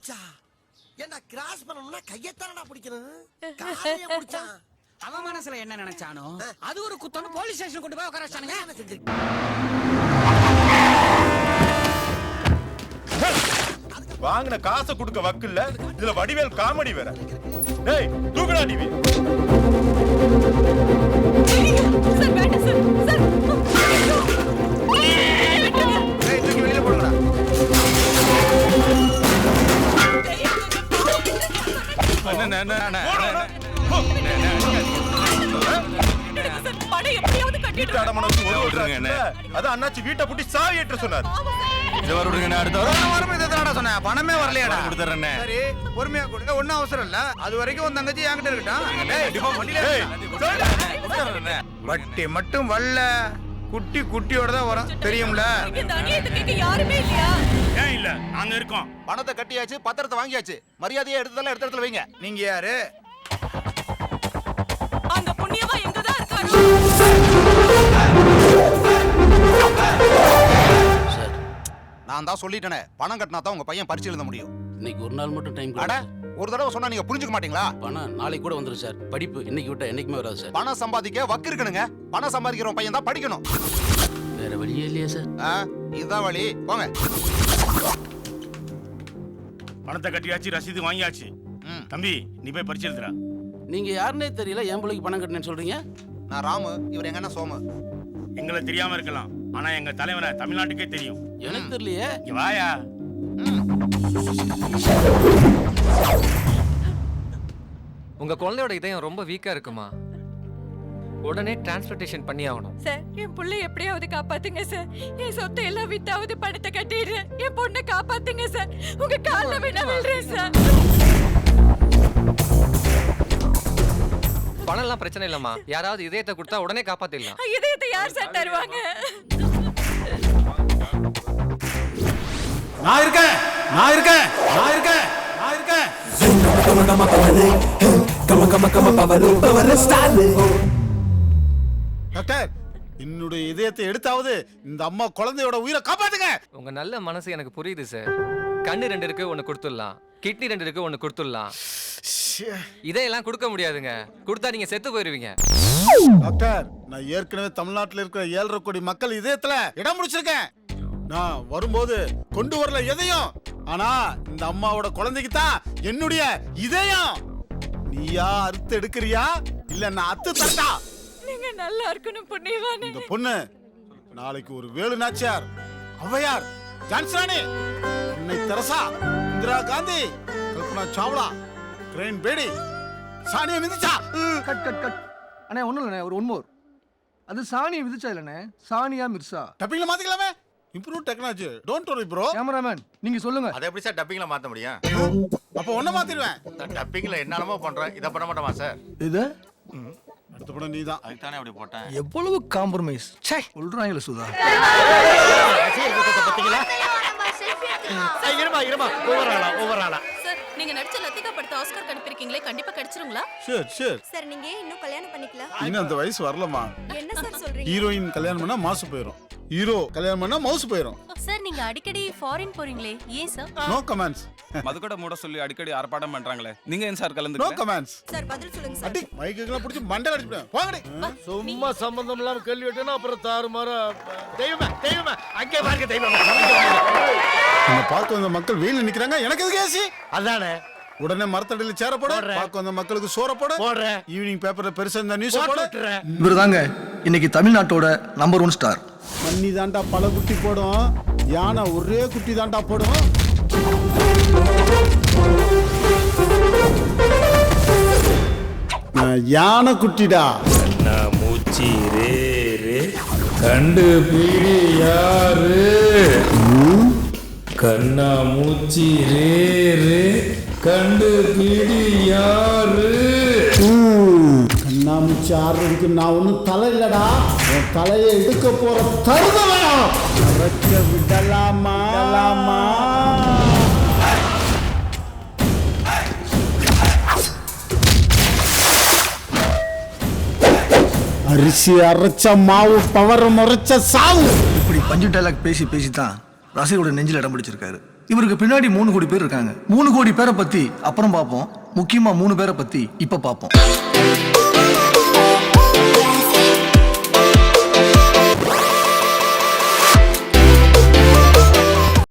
என்ன கிராஸ் பண்ணனும்னா கையத்தானடா பிடிக்கணும். காலைய பிடிச்சான். அவன் மனசுல என்ன நினைச்சானோ அது ஒரு குத்தன்னு போலீஸ் ஸ்டேஷன் கொண்டு போய் உட்கார வச்சானுங்க. என்ன செஞ்சு? வாங்கின காசை கொடுக்க வக்கில்ல, இதுல வடிவேல் காமெடி வேற. டேய் தூக்குடா டிவி. சார் வேண்டாம் சார். சார் டேய் தூக்கி வெளியில போடுடா. பணம் எப்படியாவது கட்டிட்டு அது அண்ணாச்சி வீட்டை பூட்டி சாவி ஏற்ற சொன்னார். பணமே வரலையாடா? சரி பொறுமையா கொடுங்க, ஒன்னும் அவசரம் இல்ல. அது வரைக்கும் உன் தங்கச்சி என்கிட்ட இருக்கட்டும். வட்டி மட்டும் வரல, குட்டி குட்டியோட தான் வரும், தெரியும்ல? இந்த அநியாயத்தை கேட்க யாருமே இல்லையா? ஏன் இல்ல, நாங்க இருக்கோம். பணத்தை கட்டியாச்சு, பத்திரத்தை வாங்கியாச்சு, மரியாதையா எடுத்ததெல்லாம் எடுத்த இடத்துல வைங்க. நீங்க யாரு? அந்த புண்ணியவா எங்கதான் இருக்காரு? நான் தான் சொல்லிட்டேனே, பணம் கட்டினா தான் உங்க பையன் பரிச்சு எழுத முடியும். இன்னைக்கு ஒரு நாள் மட்டும் டைம் அட ஒரு தடவை சொன்னா நீங்க புரிஞ்சுக்க மாட்டீங்களா? பணம் நாளைக்கு கூட வந்துரும் சார். படிப்பு இன்னைக்கு விட்டா என்னைக்குமே வராது சார். பணம் சம்பாதிக்க வக்கு இருக்கணுங்க. பணம் சம்பாதிக்கிற பையன் தான் படிக்கணும். வேற வழியே இல்லையா சார்? இதுதான் வழி, போங்க. பணத்தை கட்டியாச்சு, ரசீது வாங்கியாச்சு. தம்பி நீ போய் பரிச்சு எழுதுறா. நீங்க யாருன்னே தெரியல, என் பிள்ளைக்கு பணம் கட்டினேன்னு சொல்றீங்க. நான் ராமு, இவர் எங்க அண்ணன் சோமு. எங்களை தெரியாம இருக்கலாம், ஆனா எங்க தலைவனை தமிழ்நாட்டுக்கே தெரியும். எனக்கு தெரியலையே. இங்க வாயா. உங்க குழந்தையோட இதயம் ரொம்ப வீக்கா இருக்குமா? உடனே டிரான்ஸ்போர்ட்டேஷன் பண்ணி ஆகணும். சார் என் புள்ளை எப்படியாவது காப்பாத்துங்க சார். என் சொத்தை எல்லாம் வித்தாவது பணத்தை கட்டிடுறேன். என் பொண்ணை காப்பாத்துங்க சார். உங்க கால்ல வேணா விழுறேன் சார். பணம் எல்லாம் பிரச்சனை இல்லம்மா, யாராவது இதயத்தை கொடுத்தா உடனே காப்பாத்திடலாம். இதயத்தை யார் சார் தருவாங்க? நான் இருக்கேன், நான் இருக்கேன், நான் இருக்கேன், நான் இருக்கேன். டாக்டர், என்னுடைய இதயத்தை எடுத்தாவது இந்த அம்மா குழந்தையோட உயிரை காப்பாத்துங்க. உங்க நல்ல மனசு எனக்கு புரியுது சார். கண்ணு 2 இருக்கு, ஒன்னு கொடுத்துடலாம். கிட்னி 2 இருக்கு, ஒன்னு கொடுத்துடலாம். இதையெல்லாம் கொடுக்க முடியாதுங்க. கொடுத்தா நீங்க செத்து போயிருவீங்க. டாக்டர், நான் ஏற்கனவே தமிழ்நாட்டில் இருக்கிற 7.5 கோடி மக்கள் இதயத்துல இடம் முடிச்சிருக்கேன். நான் வரும்போது கொண்டு வரல எதையும், ஆனா இந்த அம்மாவோட குழந்தைக்கு தான் என்னுடைய இதயம். நீயா அறுத்து எடுக்கிறியா இல்ல நான் அத்து தட்டா? நீங்க நல்லா இருக்கணும் புண்ணியவானே. இந்த பொண்ணு நாளைக்கு ஒரு வேலு நாச்சியார், ஔவையார், ஜான்சிராணி, அன்னை Teresa, Indira Gandhi, Kalpana Chawla, crane Bedi, Sania மிதிச்சா. Cut cut cut அண்ணே, ஒன்றும் இல்லைண்ணே, ஒரு ஒன்மோர். அது சாணியை விதிச்சா இல்லைண்ணே, Sania Mirza. டப்பிங்ல மாத்திக்கலாமே. Improve technology, don't worry bro. Cameraman நீங்க சொல்லுங்க. அதை எப்படி சார் டப்பிங்ல மாத்த முடியும்? அப்ப ஒண்ண மாத்திடுவேன். டப்பிங்ல என்னென்னமோ பண்றேன், இதை பண்ண மாட்டோமா சார்? இது அடுத்த படம் நீதான். அதுக்கு தானே அப்படி போட்டேன். எவ்வளவு காம்ப்ரமைஸ். சே சொல்றாங்களே சுதா. சார் நீங்க நடிச்ச லத்திகா படத்தை ஆஸ்கார் கண்டிப்பிருக்கீங்களே, கண்டிப்பா கிடைச்சிருங்களா? Sure sure. சார் நீங்க இன்னும் கல்யாணம் பண்ணிக்கல? இன்னும் அந்த வயசு வரலமா. என்ன சார் சொல்றீங்க? ஹீரோயின் கல்யாணம் பண்ணா மாசு போயிடும், ஹீரோ கல்யாணம் பண்ணா மவுசு போயிடும். சார் நீங்க அடிக்கடி ஃபாரின் போறீங்களே, ஏன் சார்? No comments. மதுக்கடை மூட சொல்லி அடிக்கடி ஆர்ப்பாட்டம் பண்றாங்களே, நீங்க ஏன் சார் கலந்து? No comments. சார் பதில் சொல்லுங்க சார். அடி மைக்கெல்லாம் பிடிச்சி மண்டை அடிச்சுடுவேன். போங்கடி. சும்மா சம்பந்தம் இல்லாம கேள்வி கேட்டேன்னா அப்புறம் தாறுமாறா. தெய்வமே தெய்வமே அங்கே பாருங்க தெய்வமே. நம்ம பார்க்க வந்த மக்கள் வெயில நிக்கிறாங்க, எனக்கு எதுக்கு ஏசி? அதானே உடனே மரத்தடியில சேர போட, பார்க்க வந்த மக்களுக்கு சோற போட, ஈவினிங் பேப்பர்ல பெருசா இந்த நியூஸ் போட. இவர் தாங்க இன்னைக்கு தமிழ்நாட்டோட நம்பர் 1 ஸ்டார். மண்ணி தாண்டா பல குட்டி போடும், யானை ஒரே குட்டி தாண்டா போடும். யானை குட்டிடா. மூச்சி ரே ரே கண்டு பீடி யாரு? கண்ணா மூச்சி ரே ரே கண்டு பீடி யாரு? கண்ணாமூச்சி ஆடுறதுக்கு நான் ஒன்றும் தலை இல்லடா, என் தலையை எடுக்க போற தருதலையும் அரைக்க விடலாமா? அரிசி அரைச்ச மாவு, பவர முறைச்ச சாவு. இப்படி பஞ்சு டைலாக் பேசி பேசி தான் ரசிகரோட நெஞ்சில் இடம் பிடிச்சிருக்காரு. இவருக்கு பின்னாடி 3 கோடி பேர் இருக்காங்க. 3 கோடி பேரை பத்தி அப்புறம் பார்ப்போம். முக்கியமா 3 பேரை பத்தி இப்ப பார்ப்போம்.